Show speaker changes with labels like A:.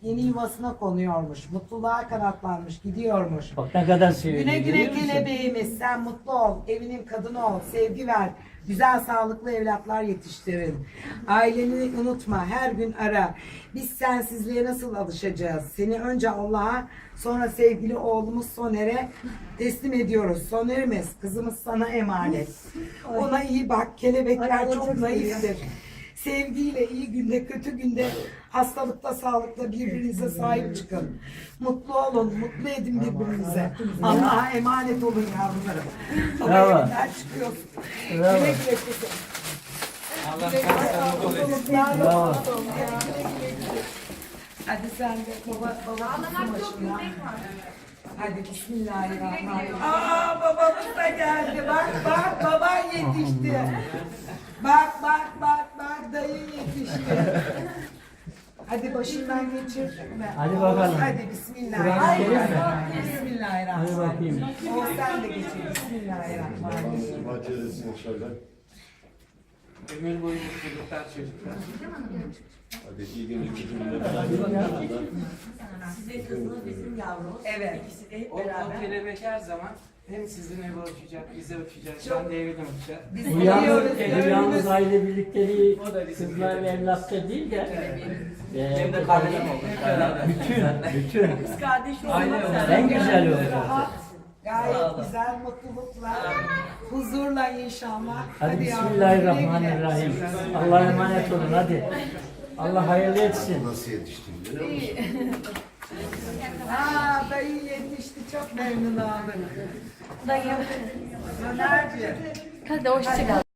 A: yeni yuvasına konuyormuş. Mutluluğa kanatlanmış, gidiyormuş.
B: Bak ne kadar seviyorum.
A: Güle güle
B: görüyor musun?
A: kelebeğimiz, sen mutlu ol, evinin kadını ol, sevgi ver, güzel sağlıklı evlatlar yetiştirin. Aileni unutma, her gün ara. Biz sensizliğe nasıl alışacağız? Seni önce Allah'a, sonra sevgili oğlumuz Soner'e teslim ediyoruz. Soner'imiz, kızımız sana emanet. Ona iyi bak, kelebekler çok naiftir. Sevgiyle iyi günde, kötü günde, hastalıkta, sağlıkta birbirinize sahip çıkın. Mutlu olun, mutlu edin birbirinize. Allah'a emanet olun yavrularım.
B: Bravo.
A: Baba evinden çıkıyorsun.
B: Bravo.
A: Güle güle kızım.
C: Allah
A: Güle güle mutluluklar
B: Bravo.
A: olsun. Güle güle güle. Hadi sen de baba tutsun başına. Hadi bismillahirrahmanirrahim. Aa babamız da geldi. Bak bak baban yetişti. Bak bak bak bak dayın yetişti. Hadi başından geçir.
B: Hadi bakalım.
A: Hadi bismillahirrahmanirrahim.
B: Hadi
A: Bismillahirrahmanirrahim.
B: bakayım.
A: O sen de geçir. Bismillahirrahmanirrahim.
D: Bahçedesin şöyle.
C: ömür boyu mutluluklar çocuklar.
D: Hadi iyi günler.
E: Sizin kızınız bizim yavrumuz.
A: Evet.
E: İkisi de hep
C: O
E: beraber.
C: kelebek her zaman hem sizinle uçacak, bize uçacak, ben de evine uçacak.
A: Biz
B: Bu
A: biliyoruz.
B: yalnız aile birlikteliği
C: O da bizim
B: kızlar ve
C: kelebeğimiz.
B: evlatça değil de
C: Hem de kardeşim oldu.
B: bütün
E: Kız kardeş
C: Aynen
E: olmak
C: öyle.
E: sen.
B: en güzel oldu.
A: Rahat, gayet güzel, mutlulukla, huzurla inşallah.
B: Hadi
A: yavrum,
B: bismillahirrahmanirrahim.
A: güle güle.
B: Allah'a emanet olun hadi. Allah hayırlı etsin.
D: Nasıl yetiştin biliyor musun?
A: Aa dayı yetişti, çok memnun oldum.
E: Dayım.
A: Sonerciğim.
E: Hadi hoşçakal.